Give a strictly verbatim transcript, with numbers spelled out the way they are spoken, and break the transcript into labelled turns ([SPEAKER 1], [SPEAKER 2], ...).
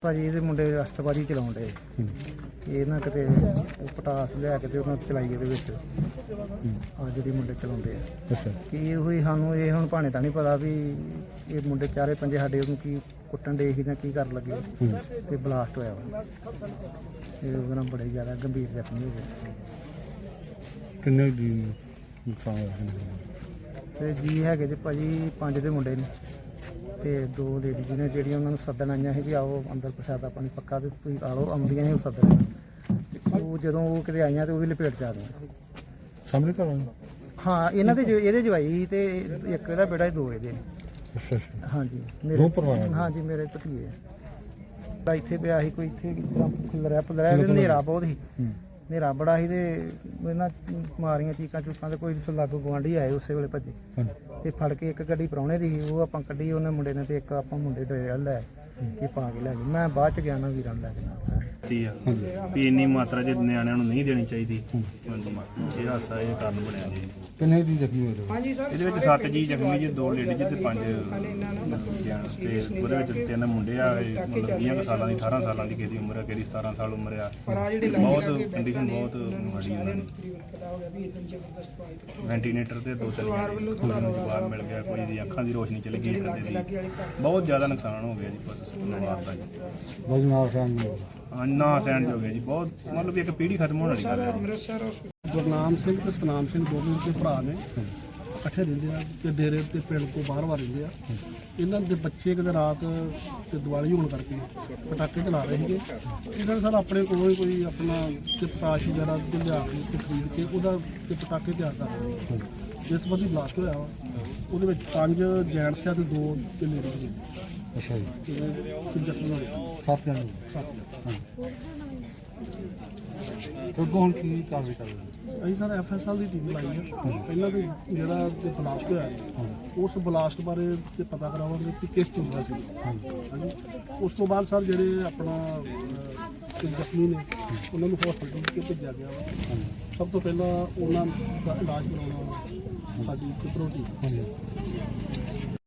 [SPEAKER 1] ਭਾਜੀ ਇਹਦੇ ਮੁੰਡੇ ਰਸਤਬਾਜ਼ੀ ਚਲਾਉਣ ਡੇ ਇਹ ਨਾ ਕਿਤੇ ਉਹ ਪਟਾਸ ਲਿਆ ਕੇ ਤੇ ਉਹਨਾਂ ਚਲਾਈ ਇਹਦੇ ਵਿੱਚ ਆ ਜਿਹੜੀ ਮੁੰਡੇ ਚਲਾਉਂਦੇ ਆ ਕੀ ਹੋਈ ਸਾਨੂੰ ਇਹ ਹੁਣ ਭਾਣੇ ਤਾਂ ਨਹੀਂ ਪਤਾ ਵੀ ਇਹ ਮੁੰਡੇ ਚਾਰੇ ਪੰਜੇ ਸਾਡੇ ਉਹਨੂੰ ਕੀ ਕੁੱਟਣ ਡੇ ਸੀ ਜਾਂ ਕੀ ਕਰਨ ਲੱਗੇ ਤੇ ਬਲਾਸਟ ਹੋਇਆ ਵਾ ਇਹ ਉਹਦੇ ਨਾਲ ਬੜੇ ਜ਼ਿਆਦਾ ਗੰਭੀਰ ਜ਼ਖਮੀ ਹੋ ਗਏ।
[SPEAKER 2] ਕਿੰਨੇ ਦੀ ਨੁਕਸਾਨ ਹੋਇਆ
[SPEAKER 1] ਤੇ ਜੀ ਹੈਗੇ ਜੇ ਭਾਜੀ ਪੰਜ ਦੇ ਮੁੰਡੇ ਨੇ ਤੇ ਦੋ ਲੇਡੀਜ਼ ਨੇ ਜਿਹੜੀਆਂ ਉਹਨਾਂ ਨੂੰ ਸੱਦਣ ਆਈਆਂ ਸੀ ਵੀ ਆਓ ਅੰਦਰ ਪ੍ਰਸ਼ਾਦਾ ਪਾਣੀ ਪੱਕਾ ਤੇ ਤੁਸੀਂ ਆ ਲਓ ਆਉਂਦੀਆਂ ਸੀ ਉਹ ਸੱਦਣ ਉਹ ਜਦੋਂ ਉਹ ਕਿਤੇ ਆਈਆਂ ਤੇ ਉਹ ਵੀ ਲਪੇਟ ਚ ਆ ਗਈਆਂ
[SPEAKER 2] ਸਾਹਮਣੇ ਘਰ ਵਾਲੇ
[SPEAKER 1] ਹਾਂ ਇਹਨਾਂ ਦੇ ਜੋ- ਇਹਦੇ ਜਵਾਈ ਤੇ ਇੱਕ ਇਹਦਾ ਬੇਟਾ ਦੋ ਇਹਦੇ ਨੇ।
[SPEAKER 2] ਅੱਛਾ ਅੱਛਾ
[SPEAKER 1] ਹਾਂਜੀ
[SPEAKER 2] ਦੋ ਪਰਿਵਾਰ ਨੇ?
[SPEAKER 1] ਹਾਂਜੀ ਮੇਰੇ ਭਤੀਜੇ ਆ ਇੱਥੇ ਪਿਆ ਸੀ ਕੋਈ ਇੱਥੇ ਖੁੱਲਰਿਆ ਪੁੱਲਰਿਆ ਹਨੇਰਾ ਬਹੁਤ ਸੀ ਹਨੇਰਾ ਬੜਾ ਸੀ ਤੇ ਇਹਨਾਂ ਮਾਰੀਆਂ ਚੀਕਾਂ ਚੂਕਾਂ ਤੇ ਕੋਈ ਲਾਗੂ ਗੁਆਂਢੀ ਆਏ ਉਸੇ ਵੇਲੇ ਭੱਜੇ ਤੇ ਫੜ ਕੇ ਇੱਕ ਗੱਡੀ ਪ੍ਰਾਹੁਣੇ ਦੀ ਸੀ ਉਹ ਆਪਾਂ ਕੱਢੀ ਉਹਨੇ ਮੁੰਡੇ ਨੇ ਤੇ ਇੱਕ ਆਪਾਂ ਮੁੰਡੇ ਦੇ ਲੈ ਕੇ ਪਾ ਕੇ ਲੈ ਗਏ। ਮੈਂ ਬਾਅਦ ਚ ਗਿਆ ਨਾ ਵੀਰਾਂ ਨੂੰ ਲੈ ਕੇ ਨਾਲ
[SPEAKER 3] ਵੀ ਇੰਨੀ ਮਾਤਰਾ ਚ ਨਿਆਣਿਆਂ ਨੂੰ ਨਹੀਂ ਦੇਣੀ ਚਾਹੀਦੀ। ਇਹ ਹਾਸਾ ਇਹ ਕਾਰਨ ਬਣਿਆ ਜੀ।
[SPEAKER 2] ਕਿੰਨੇ ਦੀ ਜ਼ਖਮੀ ਹੋਏ?
[SPEAKER 3] ਇਹਦੇ ਵਿੱਚ ਸੱਤ ਜੀ ਜ਼ਖਮੀ ਜੀ, ਦੋ ਲੇਡੀਜ਼ ਤੇ ਪੰਜ ਜੈਂਟਸ ਤੇ ਉਹਦੇ ਵਿੱਚ ਤਿੰਨ ਮੁੰਡੇ ਆ ਮਤਲਬ ਵੀਹ ਕੁ ਸਾਲਾਂ ਦੀ ਅਠਾਰਾਂ ਸਾਲਾਂ ਦੀ ਕਿਸੇ ਦੀ ਉਮਰ ਆ, ਕਿਸੇ ਦੀ ਸਤਾਰਾਂ ਸਾਲ ਉਮਰ ਆ। ਬਹੁਤ ਕੰਡੀਸ਼ਨ ਬਹੁਤ ਮਾੜੀ ਆ। ਵੈਂਟੀਲੇਟਰ ਤੇ ਦੋ ਤਿੰਨ ਬਾਹਰ ਮਿਲ ਗਿਆ, ਕੋਈ ਦੀ ਅੱਖਾਂ ਦੀ ਰੋਸ਼ਨੀ ਚਲੀ ਗਈ, ਬੰਦੇ ਦੀ ਬਹੁਤ ਜ਼ਿਆਦਾ ਨੁਕਸਾਨ ਹੋ ਗਿਆ ਜੀ ਪਰਿਵਾਰ ਦਾ ਜੀ।
[SPEAKER 2] ਬਹੁਤ ਨਾਲ ਸਾਨ
[SPEAKER 3] ਹਾਂ ਨਾ ਸਹਿਣ ਹੋ ਗਿਆ ਜੀ, ਬਹੁਤ ਮਤਲਬ ਇੱਕ ਪੀੜ੍ਹੀ ਖਤਮ ਹੋਣ ਵਾਲੀ ਗੱਲ ਹੈ।
[SPEAKER 4] ਗੁਰਨਾਮ ਸਿੰਘ ਤੇ ਸਤਨਾਮ ਸਿੰਘ ਦੋਵੇਂ ਦੇ ਭਰਾ ਨੇ ਇਕੱਠੇ ਰਹਿੰਦੇ ਆ ਤੇ ਡੇਰੇ ਤੇ ਪਿੰਡ ਤੋਂ ਬਾਹਰ ਬਾਹਰ ਰਹਿੰਦੇ ਆ। ਇਹਨਾਂ ਦੇ ਬੱਚੇ ਕਿਤੇ ਰਾਤ ਤੇ ਦੀਵਾਲੀ ਹੋਣ ਕਰਕੇ ਪਟਾਕੇ ਚਲਾ ਰਹੇ ਸੀਗੇ। ਇਹਨਾਂ ਨੇ ਸਰ ਆਪਣੇ ਕੋਲੋਂ ਹੀ ਕੋਈ ਆਪਣਾ ਤੇ ਪਤਾਸ਼ ਵਗੈਰਾ ਲਿਆ ਕੇ ਤੇ ਖਰੀਦ ਕੇ ਉਹਦਾ ਤੇ ਪਟਾਕੇ ਤਿਆਰ ਕਰ ਰਹੇ ਨੇ। ਜਿਸ ਬੰਦੀ ਬਲਾਸਟ ਹੋਇਆ ਵਾ ਉਹਦੇ ਵਿੱਚ ਪੰਜ ਜੈਂਟਸ ਆ ਤੇ ਦੋ ਤੇ ਲੇਡੀਜ਼ ਨੇ।
[SPEAKER 2] ਅੱਛਾ ਜੀ
[SPEAKER 4] ਤੇ ਜ਼ਖਮੀ ਹੋਏ
[SPEAKER 2] ਸੱਤ ਜਣੇ
[SPEAKER 4] ਸੱਤ।
[SPEAKER 2] ਅੱਗੋਂ ਹੁਣ ਕੀ ਕਾਰਵਾਈ ਕਰ ਰਹੇ
[SPEAKER 4] ਅਸੀਂ ਸਰ ਐਫ ਐਸ ਐਲ ਦੀ ਟੀਮ ਲਾਈ ਹੈ। ਪਹਿਲਾਂ ਵੀ ਜਿਹੜਾ ਤੇ ਬਲਾਸਟ ਹੋਇਆ ਉਸ ਬਲਾਸਟ ਬਾਰੇ ਤੇ ਪਤਾ ਕਰਾਵਾਂਗੇ ਕਿ ਕਿਸ ਚੀਜ਼ ਦਾ ਸੀ। ਹਾਂਜੀ ਉਸ ਤੋਂ ਬਾਅਦ ਸਰ ਜਿਹੜੇ ਆਪਣਾ ਅਹ, ਜ਼ਖਮੀ ਨੇ ਉਹਨਾਂ ਨੂੰ ਹਸਪਤਾਲ ਕੇ ਭੇਜਿਆ ਗਿਆ ਵਾ। ਸਭ ਤੋਂ ਪਹਿਲਾਂ ਉਹਨਾਂ ਦਾ ਇਲਾਜ ਕਰਾਉਣਾ ਸਾਡੀ ਪ੍ਰਾਇੋਰਟੀ।